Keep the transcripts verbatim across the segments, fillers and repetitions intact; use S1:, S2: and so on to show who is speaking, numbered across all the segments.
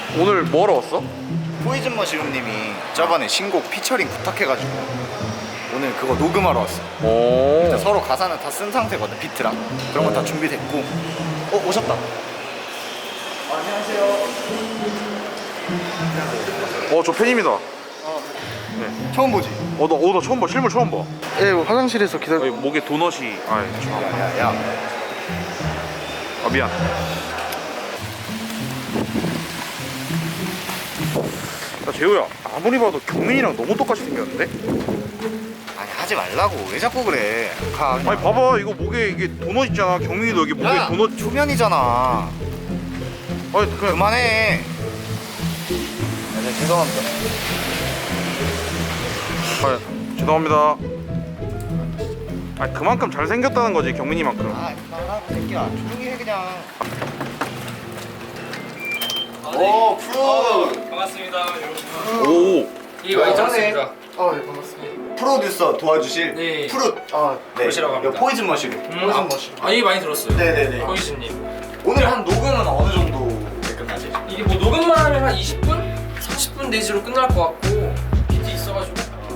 S1: 오늘 뭐하러 왔어?
S2: 포이즌 머시룸님이 저번에 신곡 피처링 부탁해가지고 오늘 그거 녹음하러 왔어.
S1: 오.
S2: 서로 가사는 다 쓴 상태거든. 비트랑 그런 건 다 준비됐고. 어 오셨다. 안녕하세요.
S1: 어, 저 팬입니다.
S2: 어,
S1: 네.
S2: 처음 보지?
S1: 어, 나, 어, 나 처음 봐. 실물 처음 봐.
S3: 예, 화장실에서 기다려.
S1: 여기 목에 도넛이. 아, 저.
S2: 야야야.
S1: 아, 미안. 나 재호야, 아무리 봐도 경민이랑 너무 똑같이 생겼는데?
S2: 아니 하지 말라고. 왜 자꾸 그래? 가. 그냥.
S1: 아니 봐봐, 이거 목에 이게 도넛 있잖아. 경민이도 여기 목에
S2: 야,
S1: 도넛.
S2: 초면이잖아.
S1: 아니 그냥
S2: 그만해. 야, 네, 죄송합니다.
S1: 아, 죄송합니다. 아, 그만큼 잘 생겼다는 거지, 경민이만큼.
S2: 아 그만하고 새끼야. 조용히 해 그냥.
S4: 아,
S2: 오 프로.
S4: 반갑습니다 여러분.
S1: 오.
S4: 이 많이 들었습니다.
S3: 아, 예, 반갑습니다.
S2: 프로듀서 도와주실
S4: 네.
S2: 프루.
S3: 아,
S2: 네.
S4: 그러시라고 합니다.
S2: 이거 포이즌 머시룸.
S4: 음, 아, 아, 이 많이 들었어요.
S2: 네네네.
S4: 포이즌님.
S2: 오늘 한 녹음은 어느 정도에 끝나지?
S4: 이게 뭐 녹음만 하면 한 이십 분? 삼십 분 내지로 끝날 것 같고 비트 있어가지고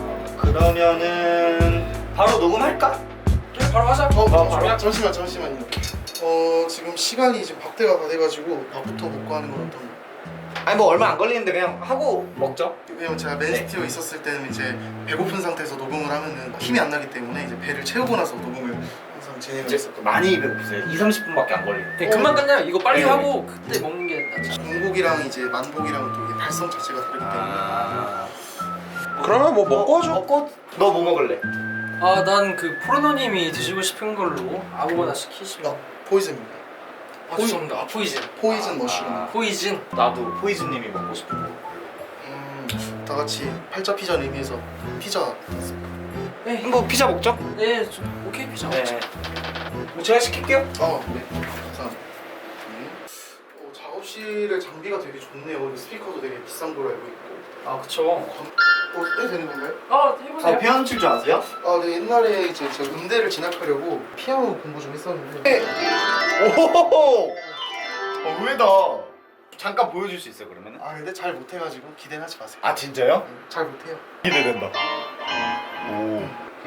S2: 그러면은 바로 녹음할까?
S4: 그냥 바로 하자.
S3: 어,
S4: 바로
S3: 잠시만,
S4: 하자.
S3: 잠시만, 잠시만요. 어, 지금 시간이 지금 밥때가 다 돼가지고 밥부터 먹고 하는 건 어떤가?
S2: 아니 뭐 얼마 안 걸리는데 그냥 하고 먹죠.
S3: 왜냐면 제가 맨시티에 있었을 때는 이제 배고픈 상태에서 녹음을 하면은 힘이 안 나기 때문에 이제 배를 채우고 나서 녹음을 항상 진행을 했었거든요.
S2: 많이 배고프세요. 이, 삼십 분밖에 안 걸리네.
S4: 네, 금방 끝나요. 이거 빨리
S2: 네.
S4: 하고 그때 먹는 게 낫지.
S3: 공복이랑 이제 만복이랑 또 이게 발성 자체가 다르기 때문에
S2: 아.
S1: 그러면 뭐 먹고 하죠.
S2: 먹고 너 뭐 먹을래?
S4: 아, 난 그 프로노님이 드시고 싶은 걸로 아무거나 시키시면.
S3: 아, 포이즌입니다.
S4: 아, 죄송합니다. 아, 포이즌.
S3: 포이즌 머쉬룸.
S2: 아.
S4: 포이즌.
S2: 나도 포이즌님이 먹고 싶은 거.
S3: 음, 다 같이 팔자 피자 의미에서 피자.
S4: 네.
S2: 뭐 피자 먹죠?
S4: 네, 좀 오케이 피자.
S2: 네. 뭐 제가 시킬게요.
S3: 어, 네. 감사합니다. 음. 어, 작업실의 장비가 되게 좋네요. 그리고 스피커도 되게 비싼 걸로 알고 있고.
S4: 아, 그쵸.
S3: 어, 해도 되는 건가요?
S4: 아, 해보세요.
S2: 아 피아노 칠 줄 아세요?
S3: 아, 네, 옛날에 이제 제가 음대를 진학하려고 피아노 공부 좀 했었는데.
S2: 오호호호. 어 의외다. 잠깐 보여줄 수 있어요 그러면은?
S3: 아, 근데 잘 못해가지고 기대는 하지 마세요.
S2: 아 진짜요?
S3: 음, 잘 못해요.
S2: 기대된다. 오.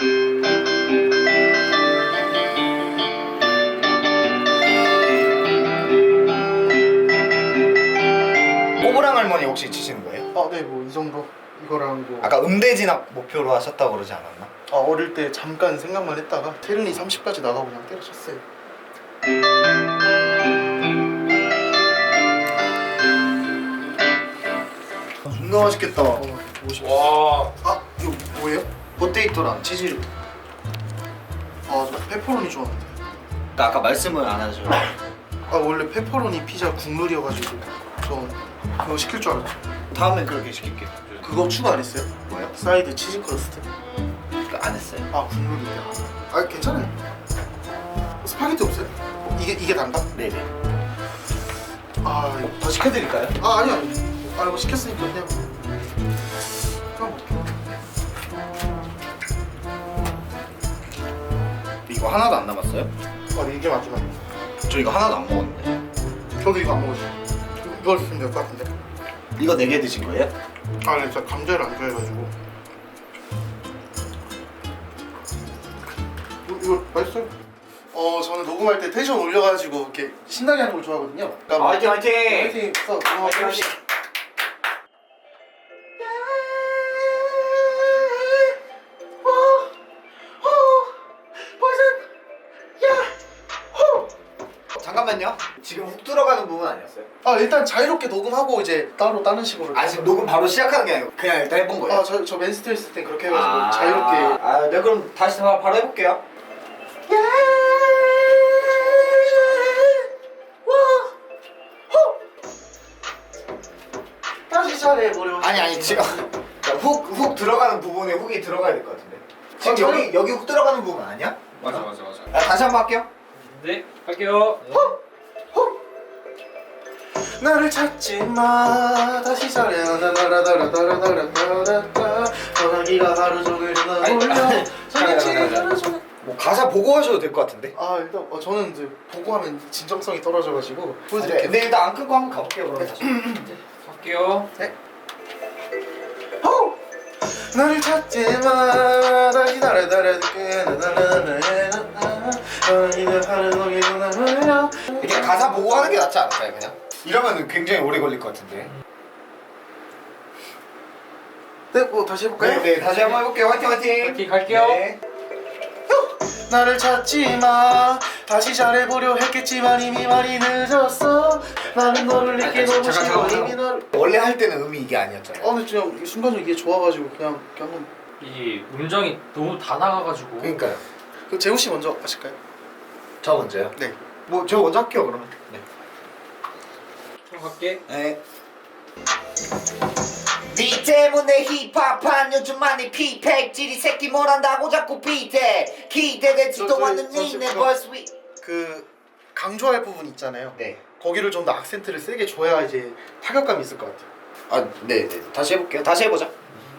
S2: 꼬부랑 할머니 혹시 치시는 거예요?
S3: 아, 네, 뭐 이 정도 이거랑 뭐.
S2: 아까 음대 진학 목표로 하셨다고 그러지 않았나?
S3: 아, 어릴 때 잠깐 생각만 했다가 테른이 삼십까지 나가고 그냥 때려쳤어요.
S2: 존나 맛있겠다.
S3: 어, 오십.
S4: 와.
S3: 아, 이거 뭐예요?
S2: 포테이토랑 치즈.
S3: 아, 저 페퍼로니 좋아하는데.
S2: 아까 말씀을 안 하죠.
S3: 아, 원래 페퍼로니 피자 국룰이어가지고 저 그거 시킬 줄 알았죠.
S2: 다음엔 그렇게 시킬게요.
S3: 그거 추가 안 했어요?
S2: 뭐요?
S3: 사이드 치즈 크러스트.
S2: 안 했어요.
S3: 아, 국룰인데. 아, 괜찮아요. 스파게티 없어요? 어, 이게 이게 단가?
S2: 네네.
S3: 아, 이거
S2: 더 시켜드릴까요?
S3: 아, 아니요. 아, 이거 시켰으니까 그냥 그냥 먹게요.
S2: 이거 하나도 안 남았어요?
S3: 아, 네, 이게 마지막이에요.
S2: 저 이거 하나도 안 먹었는데.
S3: 저도 이거 안 먹었어요. 이거 쓰면 될 것 같은데.
S2: 이거 네 개 드신 거예요?
S3: 아, 네, 제가 감자를 안 좋아해가지고. 이거, 이거 맛있어요? 어, 저는 녹음할 때 텐션 올려가지고 이렇게 신나게 하는 걸 좋아하거든요. 그러니까
S2: 화이팅 화이팅!
S3: 화이팅! 써,
S2: 화이팅, 화이팅! 잠깐만요. 지금 훅 들어가는 부분 아니었어요?
S3: 아, 일단 자유롭게 녹음하고 이제 따로 다른 식으로.
S2: 아 지금 녹음 바로 시작하는 게 아니고 그냥 일단 해본 거예요?
S3: 아, 저, 저 맨시티에 있을 때 그렇게 해가지고 자유롭게.
S2: 아, 네 그럼 다시 바- 바로 해볼게요.
S3: 다시 잘해보려.
S2: 아니 아니 지금 훅, 훅 들어가는 부분에 훅이 들어가야 될 것 같은데 지금
S3: 아, 저는-
S2: 여기 여기 훅 들어가는 부분 아니야?
S4: 맞아, 맞아, 맞아.
S2: 아, 다시 한 번 할게요.
S4: 네, 할게요.
S3: 나를 찾지 마. 다시 잘해. 나라라라라라라라라라. 전화기가 하루 종일 전화
S4: 아니,
S3: 올려.
S4: 아니,
S3: 전화기
S4: 잠깐, 잠깐,
S3: 하루 종일.
S2: 뭐 가사 보고 하셔도 될 것 같은데.
S3: 아, 일단 어, 저는 이제 보고 하면 진정성이 떨어져가지고
S2: 네,
S3: 보여드릴게요.
S2: 근데 일단 안 끄고 한번 가볼게요 그럼 다시.
S4: 갈게요.
S3: 네. 호! 나를 찾지 마. 다시 나를 따라줄게.
S2: 이렇게 가사 보고 하는 게 낫지 않을까요 그냥? 이러면 굉장히 오래 걸릴 것 같은데.
S3: 네, 뭐 다시 해볼까요?
S2: 네, 네 다시 한번 해볼게요. 화이팅 화이팅.
S4: 화이팅, 갈게요.
S2: 네.
S3: 나를 찾지 마. 다시 잘해보려 했겠지만 이미 많이 늦었어. 나는 너를 잊기
S2: 아니,
S3: 너무
S2: 잠깐,
S3: 싫어.
S2: 잠깐,
S3: 이미 너를.
S2: 원래 할 때는 음이 이게 아니었잖아요.
S3: 아 근데 그냥 순간적으로 이게 좋아가지고 그냥 그냥 한번.
S4: 이 음정이 너무 다 나가가지고.
S2: 그러니까요.
S3: 그 재우 씨 먼저 하실까요?
S2: 저 먼저요?
S3: 네.
S2: 뭐 저 먼저 할게요 그러면. 네.
S4: 형 갈게.
S2: 네.
S5: 니 때문에 힙합한 요즘 많이 피팩질이 새끼 뭘 한다고 자꾸 비대 기대되지도
S3: 저, 저,
S5: 않는
S3: 저,
S5: 니네
S3: 저,
S5: 벌써 위
S3: 그 강조할 부분 있잖아요.
S2: 네.
S3: 거기를 좀 더 악센트를 세게 줘야 이제 타격감이 있을 것 같아요.
S2: 아, 네, 네. 다시 해볼게요. 다시 해보자.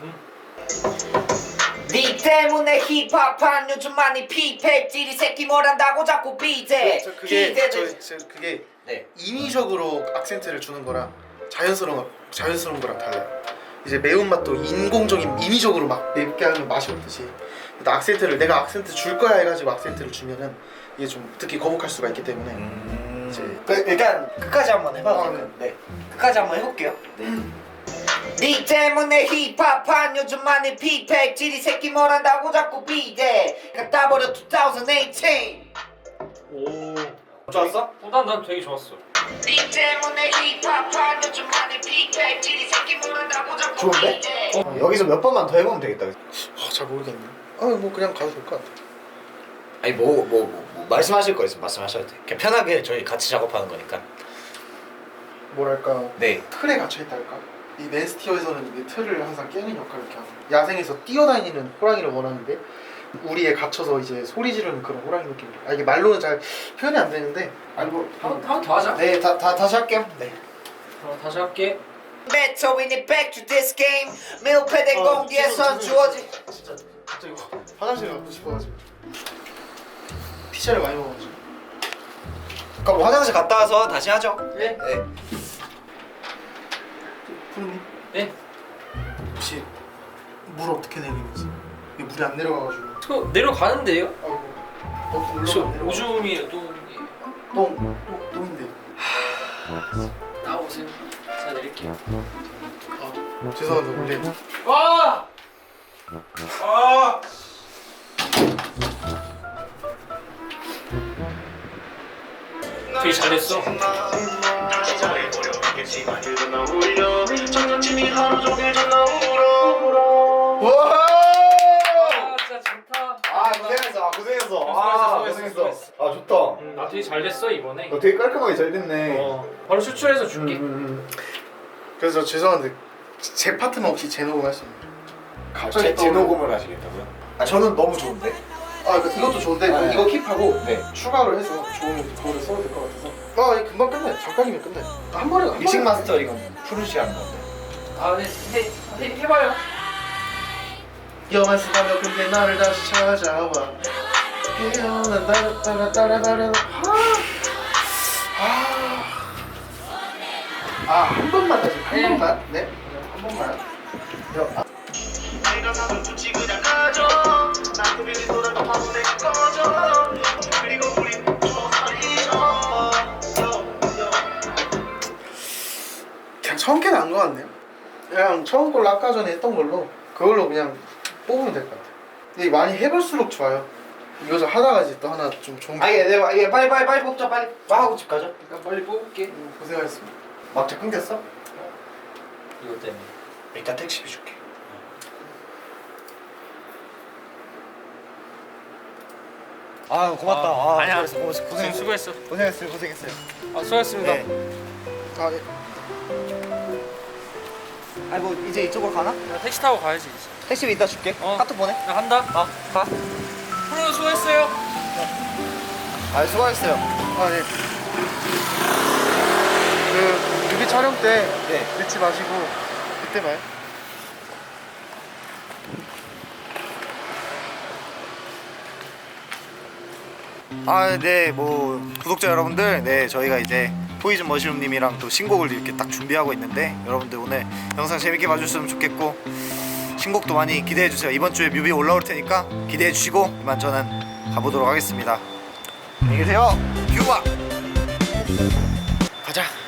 S5: 니 때문에 힙합한 요즘 많이 피팩질이 새끼 뭘 한다고 자꾸 비대
S3: 저 그게
S5: 기대되
S3: 저, 저 그게
S2: 네.
S3: 인위적으로 악센트를 주는 거랑 자연스러운 자연스러운 거랑 달라요. 이제 매운맛도 인공적인 인위적으로 막 맵게 하면 맛이 없듯이 일단 악센트를 내가 악센트 줄 거야 해가지고 악센트를 주면은 이게 좀 특히 거북할 수가 있기 때문에
S2: 음...
S3: 이제
S2: 그, 일단 끝까지 한번 해봐도
S3: 아,
S2: 될까요? 네. 끝까지 한번 해볼게요. 네.
S5: 니 때문에 힙합한 요즘 많이 피팩질이 새끼 뭘 한다고 자꾸 비대 갖다 버려 이천십팔
S4: 오.
S2: 좋았어?
S4: 어, 난, 난 되게 좋았어.
S5: 니 때문에 힙합한 요즘 많이 피팩질이 새끼 뭘 한다고 자꾸
S2: 좋은데?
S5: 비대
S2: 어, 여기서 몇 번만 더 해보면 되겠다.
S3: 어, 잘 모르겠네. 아뭐 그냥 가도 될 것 같아.
S2: 아니 뭐 뭐 뭐, 뭐, 말씀하실 거 있으면 말씀하셔도 돼요. 그냥 편하게 저희 같이 작업하는 거니까.
S3: 뭐랄까
S2: 네.
S3: 틀에 갇혀 있달까? 이 맨스티어에서는 이 틀을 항상 깨는 역할을 이렇게 하고 야생에서 뛰어다니는 호랑이를 원하는데 우리에 갇혀서 이제 소리 지르는 그런 호랑이 느낌. 아 이게 말로는 잘 표현이 안 되는데 아니 뭐
S4: 한 번 더 하자.
S2: 네, 다, 다 다시 할게요. 네.
S4: 어, 다시 할게.
S5: 메토인이 back to this game 밀폐된
S3: 아,
S5: 공기에선
S3: 죄송-
S5: 주어진
S3: 진짜 갑자기 화장실 가고 싶어가지고 피자를 많이 먹어가지고.
S2: 그럼 화장실 갔다 와서 다시 하죠.
S4: 네.
S2: 네.
S3: 푸르님
S4: 네.
S3: 혹시 물 어떻게 내리는지 이게 물이 안 내려가가지고
S4: 저 내려가는데요?
S3: 아이고 어
S4: 저
S3: 올라가 내려가.
S4: 오줌이 또
S3: 똥 똥, 똥인데.
S4: 나오세요. 제가 내릴게요.
S3: 아 죄송한데 원래
S4: 와! 아! 되게 잘했어.
S3: 와
S4: 아, 진짜 좋다.
S2: 아 고생했어. 아, 고생했어.
S4: 수고했어,
S2: 아
S4: 수고했어,
S2: 고생했어. 아 좋다.
S4: 음, 나 되게 잘 됐어 이번에.
S2: 너 되게 깔끔하게 잘 됐네.
S4: 어, 바로 추출해서 줄게.
S2: 음, 음,
S3: 그래서 죄송한데 제 파트만 혹시 재녹음 할 수 있나요?
S2: 음.
S3: 갑자기
S2: 재,
S3: 또
S2: 재녹음을 하시겠다고요? 아 저는 너무 좋은데.
S3: 아 그- 이것도 좋은데
S2: 네.
S3: 이거 킵하고
S2: 네.
S3: 추가로 해서 좋으면 그거를 써도 될 것 같아서 아 이거 금방 끝내 잠깐이면 끝내 한 번에 한
S2: 믹싱
S3: 번에.
S2: 마스터링은 푸르시 하는 건데.
S4: 아, 네, 해, 해, 해봐요.
S3: 영화 쓰다며 근데 나를 다시 찾아와 깨어난 따라 따라 따라 따라 아한 번만 다시 한
S4: 네.
S3: 번만 네한 번만 여, 아. 그냥 처음 게 나은 것 같네요. 그냥 처음 걸로 아까 전에 했던 걸로 그걸로 그냥 뽑으면 될 것 같아요. 근데 많이 해볼수록 좋아요. 이거 좀 하다가 이제 또 하나 좀 좋은
S2: 아 예, 네, 예, 빨리 빨리 빨리 뽑자 빨리. 뭐 하고 집 가죠?
S4: 그러니까 빨리 뽑을게.
S3: 음, 고생하셨습니다.
S2: 막차 끊겼어?
S4: 이것 때문에.
S2: 일단 택시비 줄게. 아 고맙다. 아,
S4: 아니야.
S2: 고생했어, 고생했어, 고생했어.
S4: 수고했어.
S2: 고생했어요, 고생했어요.
S4: 아, 수고했습니다.
S2: 네.
S3: 아, 예.
S2: 아니 뭐 이제 이쪽으로 가나?
S4: 나 택시 타고 가야지. 이제.
S2: 택시비 이따 줄게.
S4: 어.
S2: 카톡 보내.
S4: 나 간다.
S2: 어, 가.
S4: 프로 수고했어요.
S2: 아 수고하셨어요.
S3: 아, 네. 그 뮤비 촬영 때
S2: 네.
S3: 늦지 마시고 그때 봐요.
S2: 아, 네, 뭐 구독자 여러분들, 네 저희가 이제 포이즌 머시룸님이랑 또 신곡을 이렇게 딱 준비하고 있는데 여러분들 오늘 영상 재밌게 봐주셨으면 좋겠고 신곡도 많이 기대해주세요. 이번 주에 뮤비 올라올 테니까 기대해주시고 이만 저는 가보도록 하겠습니다. 안녕히 계세요. 큐바.
S3: 가자.